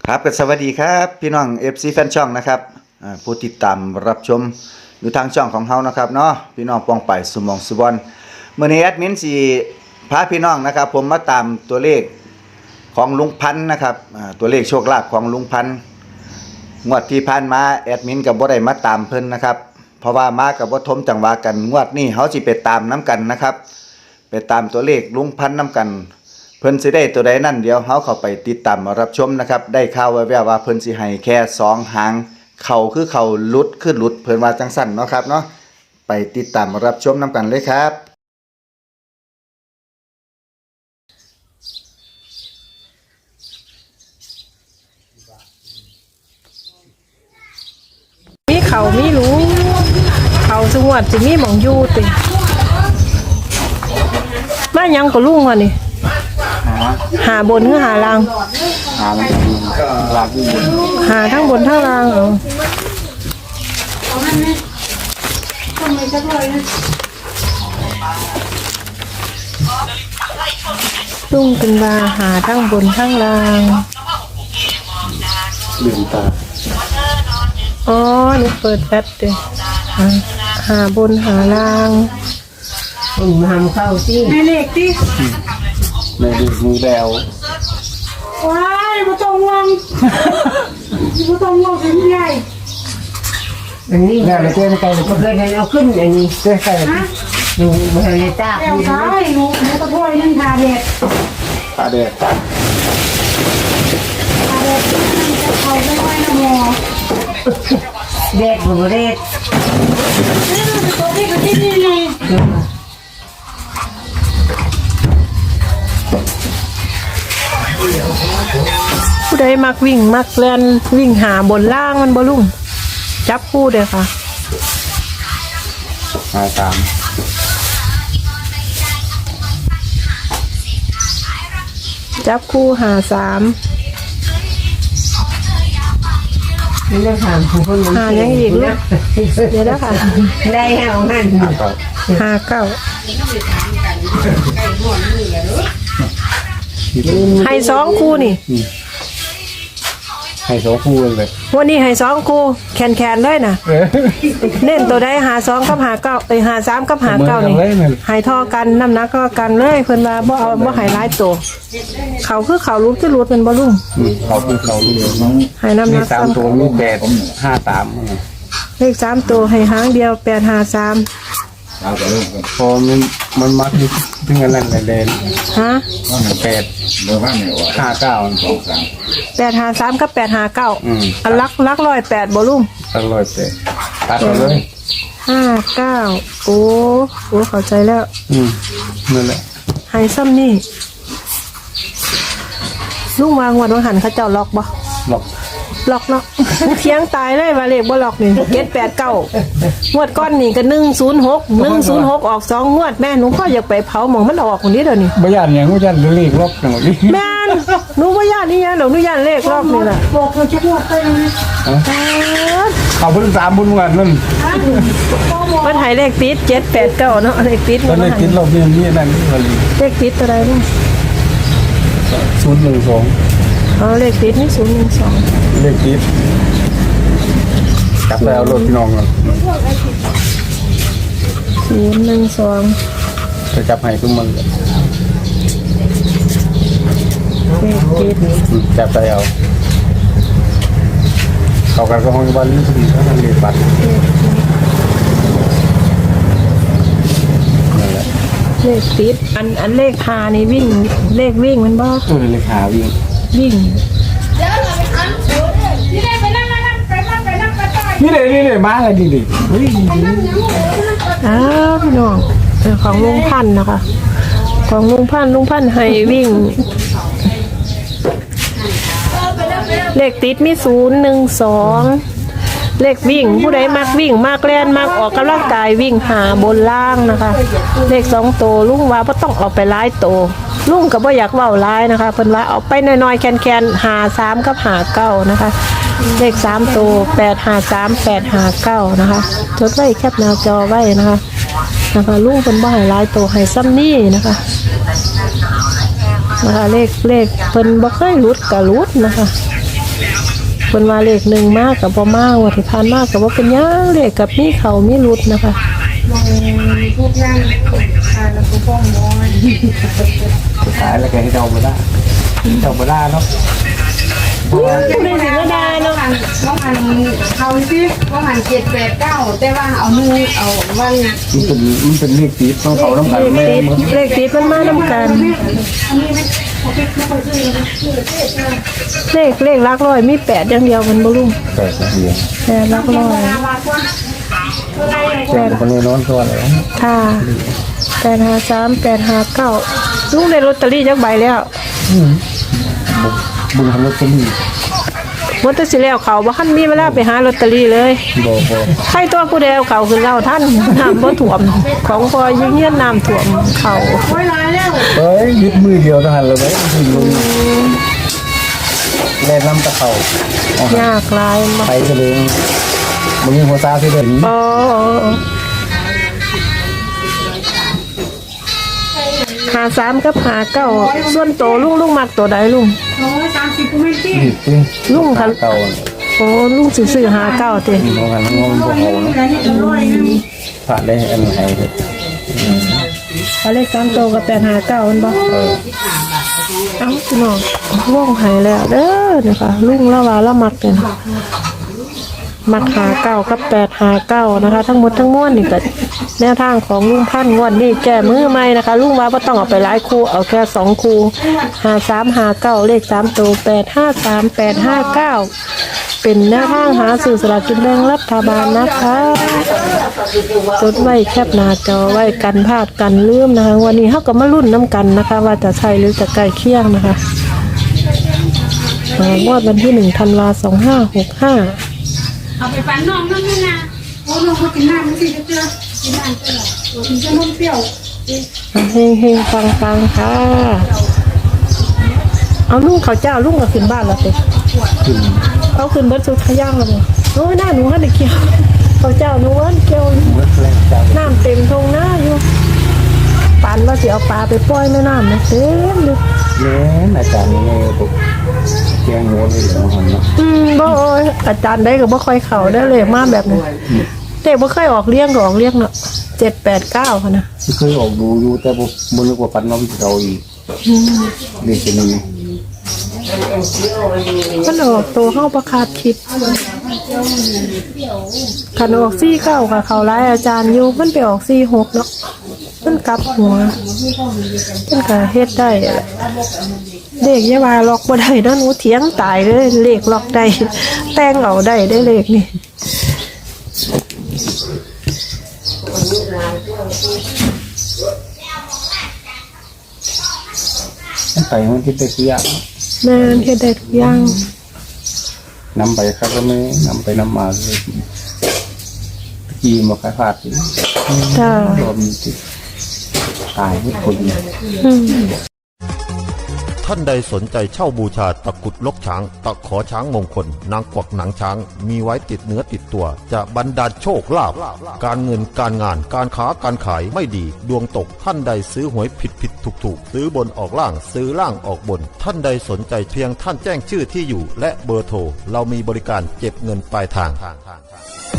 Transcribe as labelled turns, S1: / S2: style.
S1: ครับก็สวัสดีครับพี่น้อง FC แฟนช่องนะครับผู้ติดตามรับชมอยู่ทางช่องของเฮานะครับเนาะพี่น้องปองไปสุมองสุบอนมื้อนี้แอดมินสิพาพี่น้องนะครับผมมาตามตัวเลขของลุงพันธ์นะครับตัวเลขโชคลาภของลุงพันธ์งวดที่ผ่านมาแอดมินก็บ่ได้มาตามเพิ่นนะครับเพราะว่ามากับบ่ทมจังหวะกันงวดนี้เฮาสิไปตามน้ำกันนะครับไปตามตัวเลขลุงพันธ์น้ำกันเพิ่นสิได้ตัวใดนั่นเดี๋ยวเฮาเข้าไปติดตามรับชมนะครับได้ข่าวแว่วๆว่าเพิ่นสิให้แค่2หางเข้าคือเข้าหลุดคือหลุดเพิ่นว่าจังซั่นเนาะครับเนาะไปติดตามรับชมนํกันเลยครับ
S2: มีเขามีรู้เขาสงวดจะมีหมองอยู่ติมายังก็ลุงวะนี่หาบนหรือหาล่างหาทั้งบนทั้งล่างลุงเป็นว่าหาทั้งบนทั้งล่างลืมตาอ๋อนี่เปิดแป๊บเดียวหาบนหาล่างทำเข้าสิแม่เล็กดิ
S1: แม่ดูมือแล้ว
S2: ว้ายมาตรงวังมาตรงวังเป็นใหญ่
S3: อันนี้เราเจอในไก่เราเคยได้เอาขึ้นอันนี้เจอไก่หนูมาในตา
S2: แก้วซ้ายหนูตะโพยนั่นทาเด็ด
S1: ตาเด็ด
S2: จะเข้าไปไว้นะหมอ
S3: เด็ดหัวเด็ด
S2: ตัวที่ก็ที่นี่ไงผู้ใดมักวิ่งมักเล่นวิ่งหาบนล่างมันบ่ลุ่มจับคู่เด้อค่ะจับคู่หา3
S3: นี่ได้ถามคน
S2: หายังอีกลูกเดี๋ยวนะคะ
S3: ได้เอาหัน
S2: 59ให้2คู่นี่
S1: ให้2คู่เลย
S2: วันนี้ให้2คู่แคนๆเลยนะเน้นตัวใดหา2กับหา9หา3กับหา9นี่ให้ท่อกันน้ำหนักก็กันเลยเพิ่นว่าบ่เอาบ่ให้หลายตัวเขาคือเขารุดคือรุดเป็นบ่ลุง
S1: เขาคือเขารุด
S2: ให้น้ำหนัก
S1: 3ตัวมี853
S2: เลข3ตัวให้หางเดียว853
S1: พอมันมักถึงอันนั้นแดง
S2: ฮะ
S1: 8เบอร์ว่าเนี่ยว่า
S2: 853กับ859อันลัก108บ่ลุง
S1: 108ตัดเลย
S2: 59โอ้เข้าใจแล้ว
S1: นั่นแหละ
S2: ให้ซ้ำนี่ลุงวางวันหันเขาเจ้าล็อกบ่ล็อกเนาะเพียงตายเลยว่าเลขบ่ล็อกนี่789งวดก้อนนี่ก็106ออก2งวดแม่หนูก็อยากไปเผาหมองมันออกคนนี้เดี๋ยวนี้
S1: บ่ย่านหยังบ่ย่านเลขล็อกจังซี่
S2: แม่นหนูบ่ย่านนี่หยังหนูย่านเลขล็อกนี่ล่ะบอกเขาจะงวดไปเลย
S1: เขาเพิ่ง3บุญงวดนั่น
S2: มันให้เลขติด789เนาะเลขติด
S1: เลขติดรอบนี้นั่น
S2: เลขติดอะไรนี่
S1: 012
S2: เลขติดนี่012
S1: เลขติดกลับไปเอารถพี่น้องกัน
S2: 012
S1: จะจับให้ทุกมัน
S2: เลขติด
S1: จับไปเอาเขากันก็ห้องบ้านนี้พอดีเขาทำเลขบัตร
S2: เลขติดอันเลขหานี่วิ่งเลขวิ่งมันบ่
S1: เลขหาวิ่งนี่เลยมาเลยดิ
S2: พี่น้องของลุงพันธ์นะคะของลุงพันธ์ให้วิ่งเลขติดมี012เลขวิ่งผู้ใดมักวิ่งมักเล่นมักออกกำลังกายวิ่งหาบนล่างนะคะเลข2ตัวลุงว่าบ่ต้องเอาไปหลายตัวลุงก็บ่อยากเว้าหลายนะคะเพิ่นว่าเอาไปน้อยๆแคนๆหา3กับหา9นะคะเลข3ตัว853 859นะคะจดไว้แคปหน้าจอไว้นะคะลุงเพิ่นบ่ให้หลายตัวให้ซ้ำนี้นะคะ นะคะเลขเพิ่นบ่เคยหลุดก็หลุดนะคะเพิ่นว่าเลข1มากกับบ่มากว่าที่ผ่านมากกับว่าเป็นหยังเลขกับมีเขามีรุดนะคะ
S3: พวกย่างทานแล้วก็ฟ้องมอยสุดท้ายแล้วแกให้เดามาได้เนาะ
S2: ผู้ใดสิมาด่าเนาะ
S3: ว่ามันเขาสิว่ามัน789แต่ว่าเอามือเอาวันนะมันเป็นเลขติดต้องเขาน้ำกันแม่
S2: เลขติดมันมานำกันเลขหลักร้อยมี8อย่างเดียวมันบ่ลุง
S3: แต่เดียว
S2: แต่หลักร้อย
S3: แต่คนนี้นอนตัวเลย
S2: ค่ะ853 859ลุงได้ลอตเตอรี่จักใบแล้ว
S3: บุญทำรถก็มี
S2: บ่ตัดสิแล้วเขาบ่คันมีเวลาไปหาลอตเตอรี่เลย
S3: บ่
S2: ใครตัวผู้ใดเอาเขาขึ้นเล่าท่านน้ำบ่ท่วมของพอยิ่งเงี้ยน้ำท่วมเขา
S3: เฮ้ยยึดมือเดียวทหารเลยไหมถึงลงแล่นน้ำตะเข่าย
S2: ากหลายมา
S3: ไปทะเลมึงมีหัวซาที่เดิน
S2: อ๋อ53กับ59ส่วนโตลุงมักตัวใดลุง
S3: ผิดจริง
S2: ลุงค่ะ
S3: เก่า
S2: โอ้ลุงสิซื้อ59ติ
S3: น้องหันน้องบ่เอานะผ่านได้อันไหน
S2: เอาเลข3โตกับ859มันบ่เอ้าพี่น้องวงให้แล้วเด้อนี่ค่ะลุงละว่าละมักเป็นมัก59กับ859นะคะทั้งหมดทั้งมวลนี่ก็แนวทางของลุงพันธุ์งวดนี้แก้มือใหม่นะคะลุงว่าบ่ต้องเอาไปหลายคู่เอาแค่2คู่5359เลข3ตัว853 859เป็นแนวทางหาสื่อสลากกินแบ่งรัฐบาลนะคะจดไว้แคปหน้าจอไว้กันพลาดกันลืมนะคะวันนี้เฮาก็มาลุ้นน้ำกันนะคะ ว่าจะใช่หรือจะใกล้เคียงนะคะงวดวันที่1ธันวาคม2565
S4: เอาไปฝันน้องนั่นนะโอ้น้องเขากินน้ำไม่สิเจ้ากินน้ำเจ้ากินจะนมเปรี้ยว
S2: เฮงเฮงฟังฟังค่ะ เอาลุงเขาเจ้าลุงก็ขึ้นบ้านแล้วสิเอาขึ้นเบิดสุดขย่างแล้วบ่โอ้ยหน้าหนูให้ได้เกี่ยวเขาเจ้าหนูเอิ้นเกี่ยว
S3: เมื่อแรกจัง
S2: น้ำเต็มทงหน้าอยู่ปันว่าสิเอาปลาไปปล่อยในน้ำนะเต็มเลย
S3: เล่นอาจารย์นี่ปุ๊บเกียงหัวเลยเหรอหันนะ
S2: บ่อาจารย์ได้ก็บ่ค่อยเข้าได้เลยมาแบบนี้เด็กบ่เคยออกเลี้ยงก็ออกเลี้ยงเนาะ789ค่ะนะ
S3: ที่เคยออกดูอยู่แต่ปุ๊บมันนึกว่าปันน้องเราอีกเด็กจะมี
S2: มันออกตัวเข้าประคาดคิดขันออก49ค่ะเขาร้ายอาจารย์อยู่มันไปออก46เนาะมันกลับหัวมันก็เฮ็ดได้อะเลขอยาว่าล็อกบ่ได้เนาะหนูเถียงตายเลยเลขล็อกได้แต่งเอาได้ได้เลขนี่
S3: ไปมันคิดได้ทุกอย่าง
S2: แม่นเฮ็ดได้ทุกอย่าง
S3: นำไปครับก็ไม่นำไปนำมาเลยกีมาขายผาดอีก
S2: จ้าร
S3: วมติดตายทุกคน
S2: อืม
S5: ท่านใดสนใจเช่าบูชาตะกรุดลกช้าง ตะขอช้างมงคล นางกวักหนังช้าง มีไว้ติดเนื้อติดตัว จะบรรดาลโชคลาภการเงินการงานการค้าการขายไม่ดี ดวงตกท่านใดซื้อหวยผิดถูกซื้อบนออกล่างซื้อล่างออกบน ท่านใดสนใจเพียงท่านแจ้งชื่อที่อยู่ และเบอร์โทรเรามีบริการเก็บเงินปลายทาง